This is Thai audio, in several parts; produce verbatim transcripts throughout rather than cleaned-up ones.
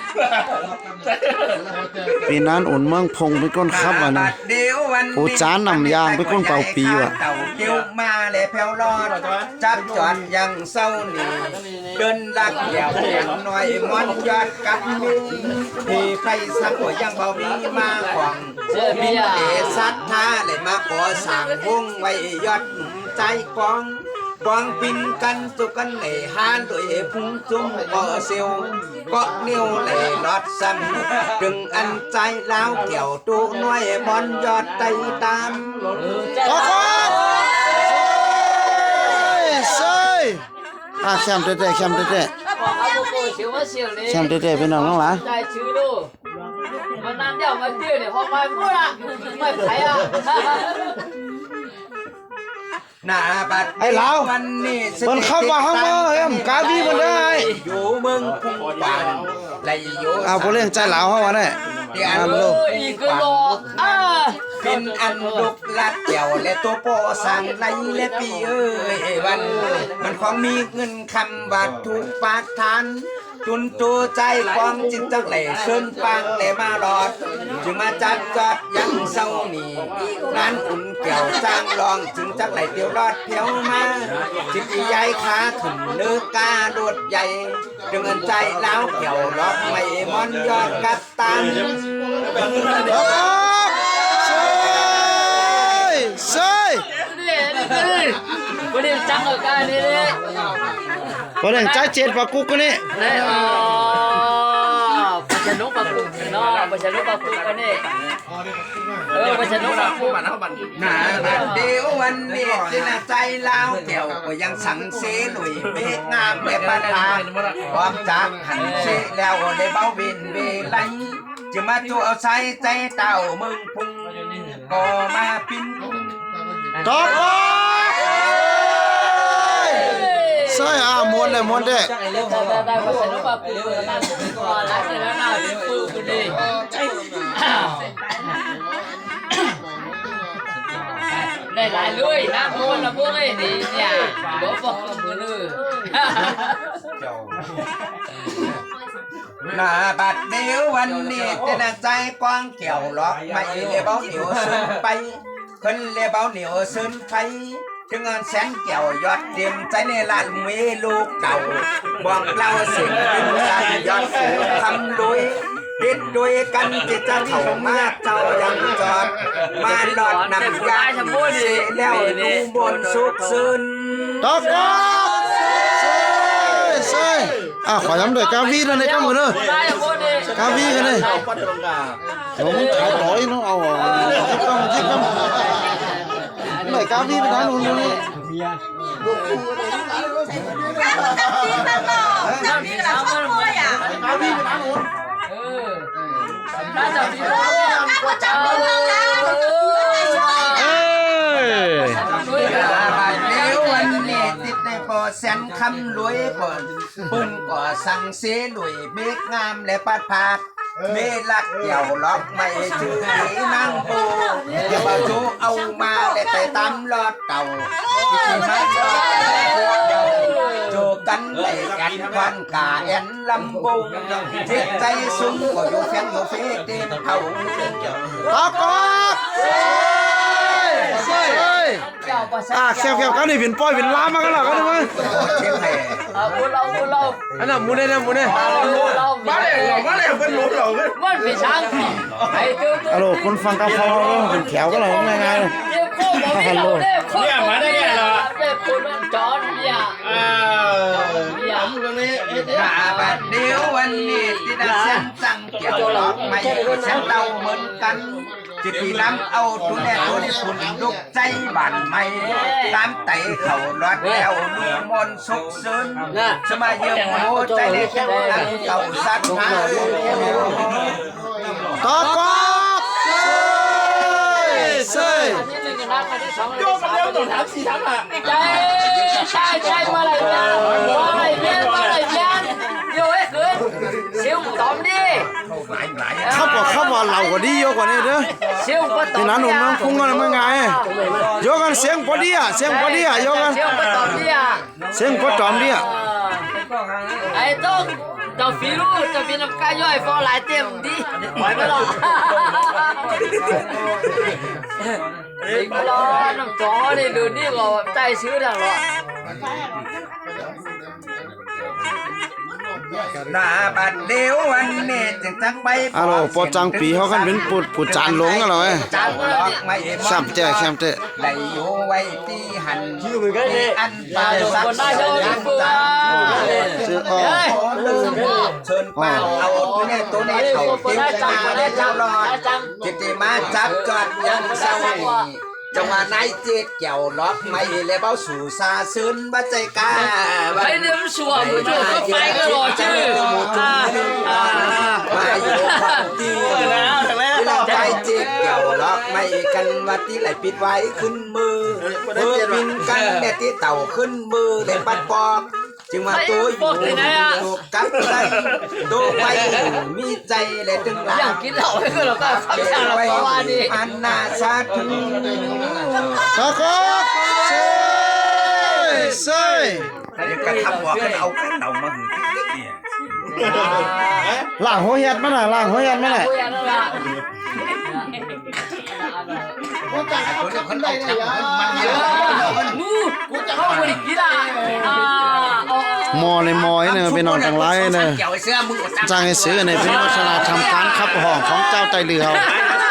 ปีนั้นอุ่นเมืองพงไปก้นครับวะนะผู้จานนำยางไปก้นเป่าปีวะเต่าเกี่ยวมาเลยแผ่วรอดจับจอดยังเศร้าหนีเดินลักเดี่ยวอย่างน้อยมอนยอดกับมีที่ใครสักว่ายังเบามีมาขวางมีเดสัทธาเลยมาขอสั่งวงไว้ยอดใจกองกองปินกันสุกันเหล่ฮานด้วยพุ่งจุ่มก่อเซียวก็นิ้วเหล่ลอดซ้ำดึงอันใจแล้วเกี่ยวตูน้อยบอลยอดไตตามขอขอเซยอ่ะแชมป์เต้ๆแชมป์เต้ๆแชมป์เต้ๆเป็นน้องน้องหลานมันนั่นเดี๋ยวมาเจอเนี่ยพอไปพูดอ่ะไม่ไผ่อ่ะหน้าบัดไอ้เหลามันเข้ามาห้องมือเอ็มกาบีมันได้อยู่เมืองพุ่งปานไหลอยู่เอาผู้เล่นใจเหลาเข้ามาได้อันลูกเป็นอันลูกลัดเกี่ยวและตัวโปสั่งไหลและปีเอ้ยวันมันของมีเงินคำวัตถุปาทานจุนตัวใจความจิตจักเหล่เชิญปังเหล่มาหลอดจึงมาจัดจอดยังเศร้าหนีงานอุ่นเกี่ยวจ้างลองจึงจักเหล่เตียวรอดเพียวมาจิตใหญ่ขาขึ้นเนื้อกาโดดใหญ่จึงเงินใจแล้วเกี่ยวรอบไม่มอนยอดกัดตันเซยประเด็นจังกับการนี้เลยประเด็นใจเจ็ดปากกุกนี่เออปัจจุบันปากกุกเนาะปัจจุบันปากกุกกันนี่เออปัจจุบันปากกุกหน้าเดียววันนี้ที่น่าใจแล้วเกี่ยวก็ยังสังเสหนุ่ยเมฆงามแบบปานตาความจากหันเสแล้วได้เบาเวนเวไลจะมาจูเอาใส่ใจเต่ามึงพุ่งก็มาปิ้นตบใช่อ่ะมวนเลยมวนเด้ได้ปัจจุบันปากกุกนั่นก็รักแล้วน่าเป็นปูกูดีได้หลายลุยนะพวกนะพวกไอ้นี่เนี่ยบอกบอกกับมือเลยหน้าบัดเดียววันนี้จะน่าใจกว้างเกี่ยวหลอกไม่เลยเบาเหนียวซึนไปคนเลยเบาเหนียวซึนไปถึงงานแสนเกี่ยวยอดเตรียมใจในลานมีลูกเก่าบอกเล่าสิ่งเป็นการยอดสูงทำลุยติดด้วยกันจิตจะเข้ามาเจ้ายังจอดมาหลอดนำยาเสียแล้วดูบนสุขซึนตบกบเซยเซยอ่ะขอย้ำด้วยกาวีนะในกำมือเนอะกาวีกันเลยผมขายร้อยเนาะเอาอ่ะจิ๊บกำจิ๊บกำไหนกาวีไปทางนู้นนี่ลูกคู่อะไรจำพี่กับชอบมวยอ่ะกาวีไปทางนู้นเออน่าจะมีเออก็จับมือเราแล้วเอ้ยเดี๋ยววันนี้ติดในปอแสนคำรวยก่อนปืนก่อสั่งเสียหนุ่ยเบกงามและปัดผาดเมลักเกี่ยวล็อกไม่ชื่อหนีนั่งปูอย่ามาจูเอามาและแต่ตามลอดเก่าที่มาลอดเก่าโจกันเลยกันวันกาแอนลำบุงจิตใจสูงก็อยู่แฟนอยู่เฟเต็มเขาตบกบเซยอ่ะแคบๆกันนี่เป็นป้อยเป็นล้ามากันหรอกันมั้ยเอาบุเราบุเราอันนั้นมูเน่นะมูเน่มาเลยมาเลยเป็นรู้เหรอมันเป็นช้างไอ้ตัวตัวฮัลโหลคนฟังกาฟอเป็นแถวก็เลยง่ายๆเลยฮัลโหลเนี่ยมาได้ไงล่ะเนี่ยคนมันจอนเนี่ยอ่าตรงนี้บัดเดียววันนี้ที่ได้เส้นสั่งเกี่ยวล็อกไม่เส้นเต้าเหมือนกันจิตที่น้ำเอาตัวแน่ตัวนี้ฝุ่นลุกใจบั่นไม่ตามไต่เข่าลอดแล้วลูกมนสุกซึนสมัยเยี่ยมโหใจเล็กแค่นั้นเก่าสัตว์หาตบกบเซยโยกมันเร็วตัวถามสี่ถามอ่ะใจใช่ใช่มาอะไรเนี่ยมาอะไรเนี่ยมาอะไรเนี่ยโย่เอ้ยคืนเสียวตอมดิเข้าบอกเข้าบอกเหล่ากว่าดีเยอะกว่านี้เด้อที่นั้นหนุ่มน้องคุ้งกันเมื่อไงโยกันเสียงพอดีอ่ะเสียงพอดีอ่ะโยกันเสียงพอตอมดิอ่ะเสียงพอตอมดิอ่ะไอ้ต้องเจ้าฟีรู้เจ้าฟีน้ำกาย่อยฟอหลายเต็มดิไหวไหมล่ะอีกไม่รอน้ำจอนี่ดูนี่ก็ใจชื้อดังหรอหน้าบัดเดียววันนี้จึงจักไปอะโลปอจังปีเขากันเป็นปุดปุดจานหลงกันเหรอเว้ยจานก็ล็อกนี่ไม่แซมเจ้แซมเจ้ได้อยู่ไว้ที่หันชื่อมือกันนี่อันปาคนสักได้เจ้าดิบัวซื้ออ้อเชิญป้าเอาตัวนี้ตัวนี้เขาเก็บตาได้เจ้ารอดจิตมาจับจอดยังเศร้าจังหวะนายเจ็ดเกี่ยวล็อกไม่เลยเบ้าสู่ซาซึนบัใจกาใครเดินสวมมือจูก็ไปก็รอชื่ออ่าอ่ามาอยู่ความดีที่เราไปเจ็ดเกี่ยวล็อกไม่กันวัดที่ไหลปิดไว้ขึ้นมือเมื่อบินกันเนี่ยที่เต่าขึ้นมือเลยปัดปอกจึงมาตัวอยู่ตัวกับใจตัวไปมีใจและจึงลาอยากกินเหล้าให้ก็เราก็ฟังจากเราเพราะว่านี่อันนาซาทุตะกอกเซ่เซ่กระทำว่ากันเอากันเอามาหือติ๊กเนี่ยล่างหัวเห็ดมันน่ะล่างหัวเห็ดมันน่ะคุยกันแล้วล่ะคนจะคนได้เนี่ยมันเยอะมูกูจะเข้าไปกินอ่ะอ่าหมอในหมอยเนี่ยไปนอนกลางไร่เนี่ยเกี่ยวเสื้อมือจ้างให้ซื้อเนี่ยเป็นวัฒนธรรมการขับห้องของเจ้าไตเรือเขา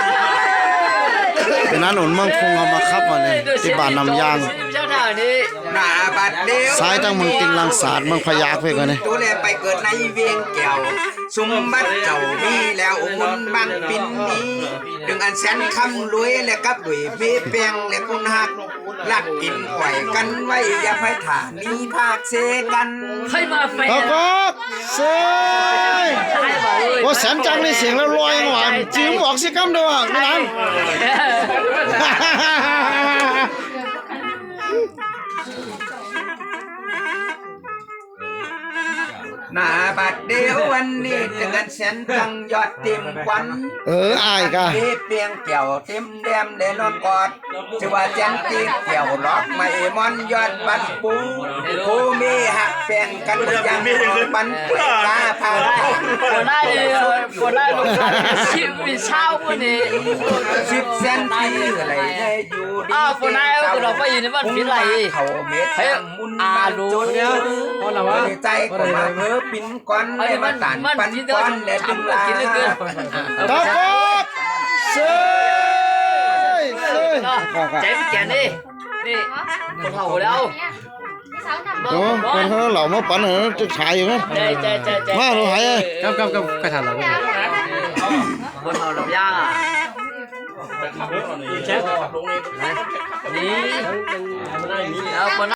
เป็นนั้นหนุนเมืองพุงเอามาขับมาเนี่ยที่บ้านนำยางเจ้าหน้านี่หน้าบัดเดียวซ้ายตั้งเมืองติงลังสาดเมืองพยากเพื่อนเนี่ยตัวแลไปเกิดในเวียงแก้วสมบัติเจ้ามีแล้วมุนบังปินนี้ดึงอันแสนคำรวยและกับด้วยเบี้ยเปียงและกุนหักลักกินไหวกันไว้อย่าไปถ่ามีภาคเสกันใครมาแฟตะนกอกเซ่ว่าแสนจังในเสียงแล้วลอยหวานจิ้มบอกสิคำเดียวอ่ะไม่นั้นหน้าบัดเดียววันนี้ถึงกันแสนจังยอดเต็มควันเอออายกะเบี้ยเปียงแก้วเต็มแดมเลยนอนกอดจะว่าแจนตีแก้วล็อกไม่มอนยอดบันปูผู้มีหักแฟนกันยังบันปุยกาพาคนได้เลยคนได้ลูกชิมมีเช้าวันนี้สิบเซนตีอะไรได้อยู่ดีอ้าวคนได้ก็เราไปอยู่ในบ้านพิษไหลเขาเม็ดเฮ้ยมุนอาดูเนี่ยเพราะว่าใจก็มาเพ้อปิ้นก้อนไอ้และมัมานตันมันปันที่เธอก้อนและดึงทำลากินเหลือเกินตะกอกเซ่เซ่ใจไม่แก่นี่นี่คนเฒ่าแล้วโอ้คนเขาเหล่ามาปั่นเหรอจะฉายอยู่ไหมใจใจใจใจมาดูหายกับกับกับกระถางเราคนเฒ่าลำย่างอ่ะนี่เอาคน